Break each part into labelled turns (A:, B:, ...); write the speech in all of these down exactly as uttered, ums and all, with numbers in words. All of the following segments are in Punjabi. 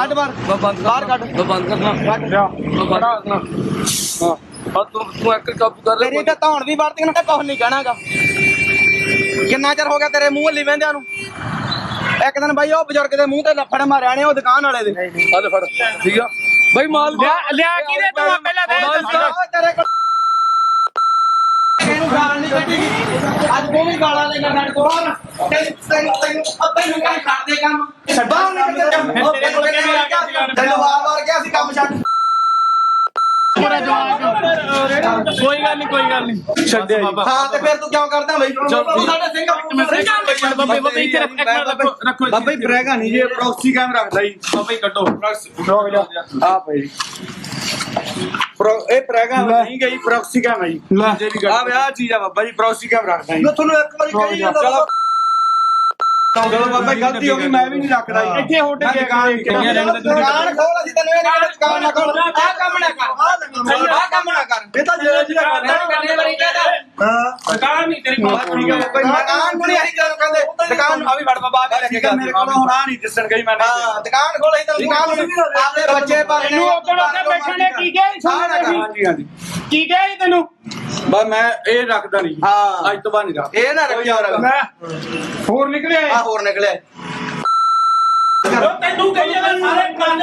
A: ਕੱਢ ਬਾਹਰ ਬਾਹਰ ਕੱਢ
B: ਬੰਦ ਕਰਨਾ
A: ਕੱਢ
B: ਕਰਨਾ ਹਾਂ ਆ ਤੂੰ ਤੂੰ ਇੱਕ ਕਾਬੂ ਕਰ ਲੈ
A: ਤੇਰੀ ਤਾਂ ਧੌਣ ਵੀ ਵਰਤੀ ਨੂੰ ਕੁਝ ਨਹੀਂ ਕਹਿਣਾਗਾ। ਕਿੰਨਾ ਚਿਰ ਹੋ ਗਿਆ ਤੇਰੇ ਮੂੰਹ ਹੱਲੀ ਵਹਿੰਦਿਆਂ ਨੂੰ? ਇੱਕ ਦਿਨ ਬਾਈ ਉਹ ਬਜ਼ੁਰਗ ਦੇ ਮੂੰਹ ਤੇ ਲੱਫੜ ਮਾਰਿਆ ਨੇ ਉਹ ਦੁਕਾਨ ਵਾਲੇ ਦੇ।
B: ਆ ਲੈ ਫੜ ਠੀਕ ਆ ਬਾਈ ਮਾਲ
C: ਲਿਆ ਕੀ ਦੇ ਤੂੰ ਪਹਿਲਾਂ ਦੇ
A: ਤੇਰੇ ਕੋਲ ਇਹਨੂੰ ਗਾਲ ਨਹੀਂ ਕੱਢੀਗੀ ਅੱਜ ਤੂੰ ਵੀ ਗਾਲਾਂ ਦੇਗਾ ਸਾਡੇ ਕੋਲ ਤੈਨੂੰ ਤੈਨੂੰ ਤੈਨੂੰ ਤੈਨੂੰ ਕਾਹ ਕਰਦੇ ਕੰਮ ਛੱਡਾਂ ਨਹੀਂ ਕਰਦੇ ਕੰਮ ਤੈਨੂੰ ਵਾਰ ਵਾਰ ਕਿਹਾ ਸੀ ਕੰਮ ਛੱਡ
C: ਪੂਰਾ ਜਵਾਬ ਕੋਈ ਗੱਲ ਨਹੀਂ ਕੋਈ ਗੱਲ ਨਹੀਂ
A: ਛੱਡਿਆ ਹਾਂ ਤੇ ਫਿਰ ਤੂੰ ਕਿਉਂ ਕਰਦਾ ਬਈ ਤੂੰ ਸਾਡੇ ਸਿੰਘ
C: ਬਾਬੇ ਬਾਬੇ ਇੱਥੇ ਰੱਖ ਰੱਖੋ
A: ਬਾਬਾ ਜੀ ਬਰੇਗਾ ਨਹੀਂ ਜੀ ਪ੍ਰੋਕਸੀ ਕੈਮ ਰੱਖਦਾ ਜੀ
C: ਬਾਬੇ ਕੱਟੋ
A: ਆ ਭਾਈ ਪ੍ਰੋ ਇਹ ਪ੍ਰੈਗਾ ਨਹੀਂ ਗਈ ਪ੍ਰੋਕਸੀ ਕੈਮ ਹੈ ਜੀ ਆ ਵਿਆਹ ਚੀਜ਼ ਆ ਬਾਬਾ ਜੀ ਪ੍ਰੋਕਸੀ ਕੈਮ ਰੱਖਦਾ ਜੀ ਮੈਂ ਤੁਹਾਨੂੰ ਇੱਕ ਵਾਰੀ ਕਹੀ ਜਾਂਦਾ ਚਲੋ ਬਾਬਾ ਗਲਤੀ ਹੋ ਗਈ ਮੈਂ ਵੀ ਨਹੀਂ ਰੱਖਦਾ ਜੀ
C: ਇੱਥੇ ਹੋਟਲ
A: ਦੁਕਾਨ ਖੋਲ ਅਸੀਂ ਤੈਨੂੰ ਇਹ ਨਹੀਂ ਦੁਕਾਨ ਨਾ ਖੋਲ ਆ ਕੰਮ ਨਾ ਕਰ ਆ ਕੰਮ ਨਾ ਕਰ ਇਹ ਤਾਂ ਜਿਹੜਾ ਜਿਹੜਾ ਕਰਨੇ ਵਾਲੀ ਕਹਿੰਦਾ ਹਾਂ
C: ਦੁਕਾਨ ਨਹੀਂ ਤੇਰੀ ਕੋਲ
A: ਠੀਕ ਹੈ ਕੋਈ ਦੁਕਾਨ ਨੂੰ ਨਹੀਂ ਅਸੀਂ ਜਦੋਂ ਕਹਿੰਦੇ ਦੁਕਾਨ ਆ ਵੀ ਵੜ ਬਾਬਾ ਕੇ ਲੈ ਕੇ ਗਿਆ ਮੇਰੇ ਕੋਲ ਹੁਣ ਆ ਨਹੀਂ ਦਿਸਣ ਗਈ ਮੈਂ ਹਾਂ ਦੁਕਾਨ ਖੋਲ ਅਸੀਂ ਤਾਂ ਦੁਕਾਨ ਆਪਣੇ ਬੱਚੇ ਪਰ
C: ਤੈਨੂੰ ਉੱਧਰ ਉੱਤੇ ਬੈਠਣੇ ਕੀ ਗਏ
A: ਹਾਂਜੀ ਹਾਂਜੀ
C: ਕੀ ਗਏ ਤੈਨੂੰ
A: ਬਸ ਮੈਂ ਇਹ ਰੱਖਦਾ ਨਹੀਂ ਹਾਂ ਅੱਜ ਤੋਂ ਬਾਅਦ ਨਹੀਂ ਰੱਖ ਇਹ ਨਾ ਰੱਖ ਯਾਰ
C: ਮੈਂ ਹੋਰ ਨਿਕਲਿਆ
A: ਆ ਹੋਰ ਨਿਕਲਿਆ
C: ਤੈਨੂੰ ਕਹੀ ਜਾਂਦਾ ਸਾਰੇ ਕੰਨ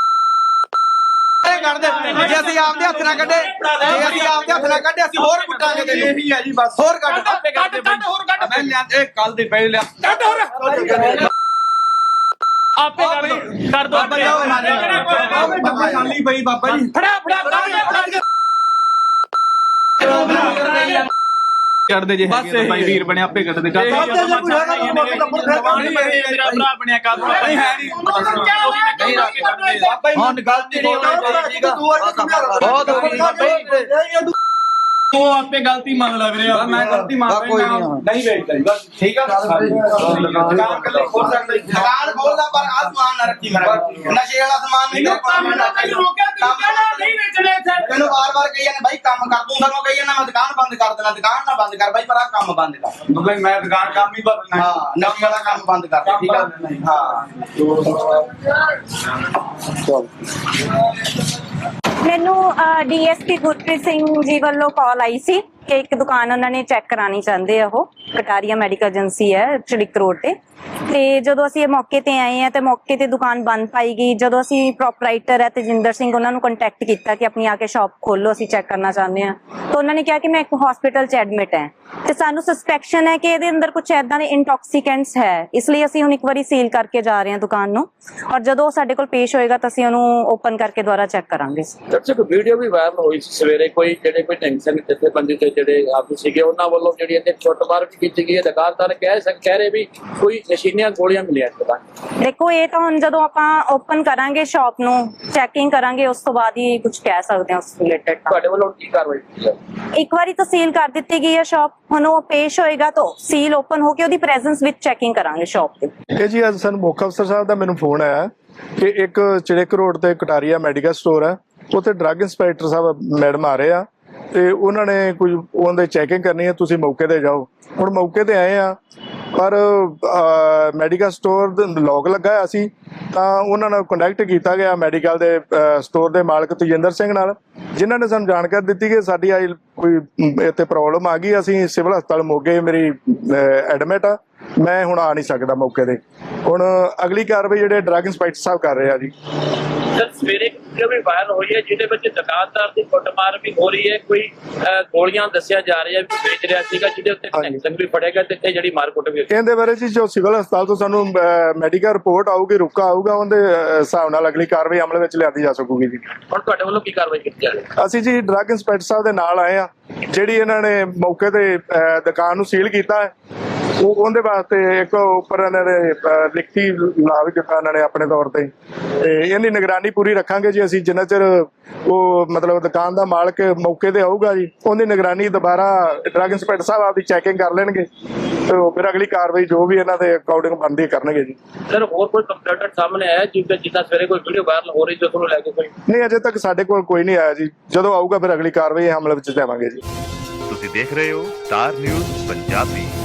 A: ਕੱਢ ਦੇ ਜੇ ਅਸੀਂ ਆਪਦੇ ਹੱਥ ਨਾਲ ਕੱਢੇ ਜੇ ਅਸੀਂ ਆਪਦੇ ਹੱਥ ਨਾਲ ਕੱਢੇ ਅਸੀਂ ਹੋਰ ਕੁੱਟਾਂਗੇ ਤੈਨੂੰ ਇਹੀ ਹੈ ਜੀ ਬਸ ਹੋਰ ਕੱਢ
C: ਕੱਢ ਕੱਢ ਹੋਰ ਕੱਢ
A: ਮੈਂ ਲਿਆ ਇਹ ਕੱਲ ਦੇ ਪਹਿਲੇ ਲਿਆ
C: ਕੱਢ ਹੋਰ ਆਪੇ ਕਰ ਦੋ ਕਰ ਦੋ
A: ਬਾਬਾ ਖਾਲੀ ਪਈ ਬਾਬਾ ਜੀ
C: ਫੜਾ ਫੜਾ ਫੜਾ ਕੱਢ ਦੇ ਜੇ ਭਾਈ ਵੀਰ ਬਣਿਆ ਆਪੇ ਕੱਢ ਦੇ ਮੇਰਾ ਭਰਾ ਬਣਿਆ ਕੱਢ
A: ਨਹੀਂ ਹੈ ਨਹੀਂ ਹੁਣ ਗਲਤੀ ਹੋ ਗਈ ਠੀਕ ਆ ਬਹੁਤ ਹੋ ਗਈ
C: ਤੂੰ ਆਪੇ ਗਲਤੀ ਮੰਨ ਲੈ ਵੀਰੇ
A: ਮੈਂ ਗਲਤੀ ਮੰਨ ਰਿਹਾ ਨਹੀਂ ਵੇਚਦਾ ਜੀ ਬਸ ਠੀਕ ਆ ਦੁਕਾਨ ਕੱਲੇ ਖੋਲ ਸਕਦਾ ਦੁਕਾਨ ਖੋਲਦਾ ਪਰ ਆ ਸਮਾਨ ਨਾ ਰੱਖੀ ਮੇਰਾ ਨਸ਼ੇ ਵਾਲਾ ਸਮਾਨ ਨਹੀਂ
C: ਤੈਨੂੰ ਰੋਕਿਆ ਤੂੰ ਕਹਿਣਾ ਨਹੀਂ ਵੇਚਣੇ ਇੱਥੇ
A: ਤੈਨੂੰ ਵਾਰ-ਵਾਰ ਕਹੀ ਜਾਂਦੇ ਬਾਈ ਕੰਮ ਕਰ ਦੂੰ ਸਾਨੂੰ ਕਹੀ ਜਾਂਦਾ ਮੈਂ ਦੁਕਾਨ ਬੰਦ ਕਰ ਦੇਣਾ ਦੁਕਾਨ ਨਾ ਬੰਦ ਕਰ ਬਾਈ ਪਰ ਆ ਕੰਮ ਬੰਦ ਕਰ ਬਾਈ ਮੈਂ ਦੁਕਾਨ ਕੰਮ ਹੀ ਬਦਲਣਾ ਹਾਂ ਨਸ਼ੇ ਵਾਲਾ ਕੰਮ ਬੰਦ ਕਰ ਠੀਕ ਆ ਹਾਂ
D: ਮੈਨੂੰ ਡੀਐਸਪੀ ਗੁਰਪ੍ਰੀਤ ਸਿੰਘ ਜੀ ਵੱਲੋਂ ਕਾਲ ਆਈ ਸੀ ਕਿ ਇੱਕ ਦੁਕਾਨ ਉਹਨਾਂ ਨੇ ਚੈੱਕ ਕਰਾਣੀ ਚਾਹੁੰਦੇ ਆ ਉਹ ਕਟਾਰੀਆ ਮੈਡੀਕਲ ਏਜੰਸੀ ਹੈ ਚੜਿਕ ਰੋਡ ਤੇ ਤੇ ਜਦੋਂ ਅਸੀਂ ਇਹ ਮੌਕੇ ਤੇ ਆਏ ਆ ਤੇ ਮੌਕੇ ਤੇ ਦੁਕਾਨ ਬੰਦ ਪਾਈ ਗਈ। ਜਦੋਂ ਅਸੀਂ ਪ੍ਰੋਪਰਾਈਟਰ ਹੈ ਤੇਜਿੰਦਰ ਸਿੰਘ ਉਹਨਾਂ ਨੂੰ ਕੰਟੈਕਟ ਕੀਤਾ ਕਿ ਆਪਣੀ ਆ ਕੇ ਸ਼ਾਪ ਖੋਲੋ ਅਸੀਂ ਚੈੱਕ ਕਰਨਾ ਚਾਹੁੰਦੇ ਆ ਤਾਂ ਉਹਨਾਂ ਨੇ ਕਿਹਾ ਕਿ ਮੈਂ ਇੱਕ ਹਸਪੀਟਲ 'ਚ ਐਡਮਿਟ ਹੈ ਤੇ ਸਾਨੂੰ ਸਸਪੈਕਸ਼ਨ ਹੈ ਕਿ ਇਹਦੇ ਅੰਦਰ ਕੁਝ ਏਦਾਂ ਦੇ ਇੰਟੌਕਸੀਕੈਂਟਸ ਹੈ ਇਸ ਲਈ ਅਸੀਂ ਹੁਣ ਇੱਕ ਵਾਰੀ ਸੀਲ ਕਰਕੇ ਜਾ ਰਹੇ ਹਾਂ ਦੁਕਾਨ ਨੂੰ ਔਰ ਜਦੋਂ ਸਾਡੇ ਕੋਲ ਪੇਸ਼ ਹੋਏਗਾ ਤਾਂ ਅਸੀਂ ਉਹਨੂੰ ਓਪਨ ਕਰਕੇ ਦੁਬਾਰਾ ਚੈੱਕ ਕਰਾਂਗੇ।
E: ਦਰਸ਼ਕ ਵੀਡੀਓ ਵੀ ਵਾਇਰਲ ਹੋਈ ਸੀ ਸਵੇਰੇ ਕੋਈ ਜਿਹੜੇ ਕੋਈ ਟੈਂਸ਼ਨ ਜਿੱਥੇ ਬੰਦੇ ਤੇ ਜਿਹੜੇ ਆਪ ਸੀਗੇ ਉਹਨਾਂ ਵੱਲੋਂ ਜਿਹੜੀ ਇਹਦੇ ਛੁੱਟਮਾਰ ਵੀ ਕੀਤੀ ਗਈ ਹੈ। ਦੁਕਾਨਦਾਰ ਕਹਿ ਸਕ ਕਹਿ ਰਹੇ ਵੀ ਕੋਈ ਨਸ਼ੀਲੀਆਂ ਗੋਲੀਆਂ ਮਿਲੀਆਂ ਦੁਕਾਨ।
D: ਦੇਖੋ ਇਹ ਤਾਂ ਹੁਣ ਜਦੋਂ ਆਪਾਂ ਓਪਨ ਕਰਾਂਗੇ ਸ਼ਾਪ ਨੂੰ ਚੈਕਿੰਗ ਕਰਾਂਗੇ ਉਸ ਤੋਂ ਬਾਅਦ ਹੀ ਕੁਝ ਕਹਿ ਸਕਦੇ ਹਾਂ ਉਸ ਰਿਲੇਟਡ।
E: ਤੁਹਾਡੇ ਵੱਲੋਂ ਕੀ ਕਾਰਵਾਈ ਕੀਤੀ ਹੈ?
D: ਇੱਕ ਵਾਰੀ ਤਾਂ ਸੀਲ ਕਰ ਦਿੱਤੀ ਗਈ ਹੈ ਸ਼ਾਪ ਹੁਣ ਉਹ ਪੇਸ਼ ਹੋਏਗਾ ਤਾਂ ਸੀਲ ਓਪਨ ਹੋ ਕੇ ਉਹਦੀ ਪ੍ਰੈਜ਼ੈਂਸ ਵਿੱਚ ਚੈਕਿੰਗ ਕਰਾਂਗੇ ਸ਼ਾਪ ਤੇ।
F: ਇਹ ਜੀ ਅੱਜ ਸਾਨੂੰ ਮੁੱਖ ਅਫਸਰ ਸਾਹਿਬ ਦਾ ਮੈਨੂੰ ਫੋਨ ਆਇਆ ਕਿ ਇੱਕ ਚੜਿਕ ਰੋਡ ਤੇ ਕਟਾਰੀਆ ਮੈਡੀਕਲ ਸਟੋਰ ਹੈ ਉੱਥੇ ਡਰੱਗ ਇੰਸਪੈਕਟਰ ਸਾਹਿਬ ਮੈਡਮ ਆ ਰਹੇ ਆ ਤੇ ਉਹਨਾਂ ਨੇ ਕੁਝ ਉਹਦੇ ਚੈਕਿੰਗ ਕਰਨੀ ਹੈ ਤੁਸੀਂ ਮੌਕੇ ਤੇ ਜਾਓ। ਹੁਣ ਮੌਕੇ ਤੇ ਆਏ ਆ ਪਰ ਮੈਡੀਕਲ ਸਟੋਰ ਲੋਕ ਲੱਗਾ ਹੋਇਆ ਸੀ ਤਾਂ ਉਹਨਾਂ ਨਾਲ ਕੰਟੈਕਟ ਕੀਤਾ ਗਿਆ ਮੈਡੀਕਲ ਦੇ ਸਟੋਰ ਦੇ ਮਾਲਕ ਤੇਜਿੰਦਰ ਸਿੰਘ ਨਾਲ ਜਿਨ੍ਹਾਂ ਨੇ ਸਾਨੂੰ ਜਾਣਕਾਰੀ ਦਿੱਤੀ ਕਿ ਸਾਡੀ ਆਈ ਕੋਈ ਇੱਥੇ ਪ੍ਰੋਬਲਮ ਆ ਗਈ ਅਸੀਂ ਸਿਵਲ ਹਸਪਤਾਲ ਮੋਗੇ ਮੇਰੀ ਐਡਮਿਟ ਆ ਮੈਂ ਹੁਣ ਆ ਨਹੀਂ ਸਕਦਾ ਮੌਕੇ ਤੇ। ਹੁਣ ਅਗਲੀ ਕਾਰਵਾਈ ਜਿਹੜੇ ਡਰੱਗ ਇੰਸਪੈਕਟਰ ਸਾਹਿਬ ਕਰ ਰਹੇ ਆ ਜੀ।
E: ਸਰ ਸਵੇਰੇ ਵੀਡੀਓ ਵੀ ਵਾਇਰਲ ਹੋਈ ਹੈ ਜਿਹਦੇ ਵਿੱਚ ਦੁਕਾਨਦਾਰ ਦੀ ਕੁੱਟਮਾਰ ਵੀ ਹੋ ਰਹੀ ਹੈ ਕੋਈ ਗੋਲੀਆਂ ਦੱਸਿਆ ਜਾ ਰਿਹਾ ਵੀ ਵੇਚ ਰਿਹਾ ਸੀਗਾ ਜਿਹਦੇ ਉੱਤੇ ਟੈਂਸ਼ਨ ਵੀ ਫੜੇਗਾ ਤੇ ਇੱਥੇ ਜਿਹੜੀ ਮਾਰਕੁੱਟ ਵੀ
F: ਇਹਦੇ ਬਾਰੇ ਜੀ ਜੋ ਸਿਵਲ ਹਸਪਤਾਲ ਤੋਂ ਸਾਨੂੰ ਮੈਡੀਕਲ ਰਿਪੋਰਟ ਆਊਗੀ ਰੁਕਾ ਆਊਗਾ ਉਹਦੇ ਹਿਸਾਬ ਨਾਲ ਅਗਲੀ ਕਾਰਵਾਈ ਅਮਲ ਵਿੱਚ ਲਿਆਂਦੀ ਜਾ ਸਕੂਗੀ ਜੀ।
E: ਹੁਣ ਤੁਹਾਡੇ ਵੱਲੋਂ ਕੀ ਕਾਰਵਾਈ ਕੀਤੀ ਜਾ ਰਹੀ ਹੈ?
F: ਅਸੀਂ ਜੀ ਡਰੱਗ ਇੰਸਪੈਕਟਰ ਸਾਹਿਬ ਦੇ ਨਾਲ ਆਏ ਆ ਜਿਹੜੀ ਇਹਨਾਂ ਨੇ ਮੌਕੇ ਤੇ ਦੁਕਾਨ ਨੂੰ ਸੀਲ ਕੀਤਾ ਹੈ ਉਹ ਉਹਦੇ ਵਾਸਤੇ ਇੱਕ ਉੱਪਰ ਇਹਨਾਂ ਨੇ ਲਿਖਤੀ ਲਾ ਵੀ ਦਿੱਤਾ ਇਹਨਾਂ ਨੇ ਆਪਣੇ ਤੌਰ ਤੇ ਤੇ ਇਹਦੀ ਨਿਗਰਾਨੀ ਪੂਰੀ ਰੱਖਾਂਗੇ ਜੀ ਅਸੀਂ ਜਿੰਨਾ ਚਿਰ ਉਹ ਮਤਲਬ ਦੁਕਾਨ ਦਾ ਮਾਲਕ ਮੌਕੇ ਤੇ ਆਊਗਾ ਜੀ ਉਹਦੀ ਨਿਗਰਾਨੀ ਦੁਬਾਰਾ ਡਰੱਗ ਇੰਸਪੈਕਟਰ ਸਾਹਿਬ ਆਪਦੀ ਚੈਕਿੰਗ ਕਰ ਲੈਣਗੇ ਤੇ ਫਿਰ ਅਗਲੀ ਕਾਰਵਾਈ ਜੋ ਵੀ ਇਹਨਾਂ ਦੇ ਅਕਾਊਂਟਿੰਗ ਬਣਦੀ ਕਰਨਗੇ ਜੀ।
E: ਸਰ ਹੋਰ ਕੋਈ ਕੰਪਲੇਂਟ ਸਾਹਮਣੇ ਆਇਆ ਜਿੱਦਾਂ ਜਿੱਦਾਂ ਸਵੇਰੇ ਕੋਈ ਵੀਡੀਓ ਵਾਇਰਲ ਹੋ ਰਹੀ ਜੋ ਤੁਹਾਨੂੰ ਲੈ ਕੇ ਕੋਈ
F: ਨਹੀਂ ਅਜੇ ਤੱਕ ਸਾਡੇ ਕੋਲ ਕੋਈ ਨਹੀਂ ਆਇਆ ਜੀ ਜਦੋਂ ਆਊਗਾ ਫਿਰ ਅਗਲੀ ਕਾਰਵਾਈ ਹਮਲੇ ਵਿੱਚ ਜਾਵਾਂਗੇ ਜੀ।
G: ਤੁਸੀਂ ਦੇਖ ਰਹੇ ਹੋ ਸਟਾਰ ਨਿਊਜ਼ ਪੰਜਾਬੀ।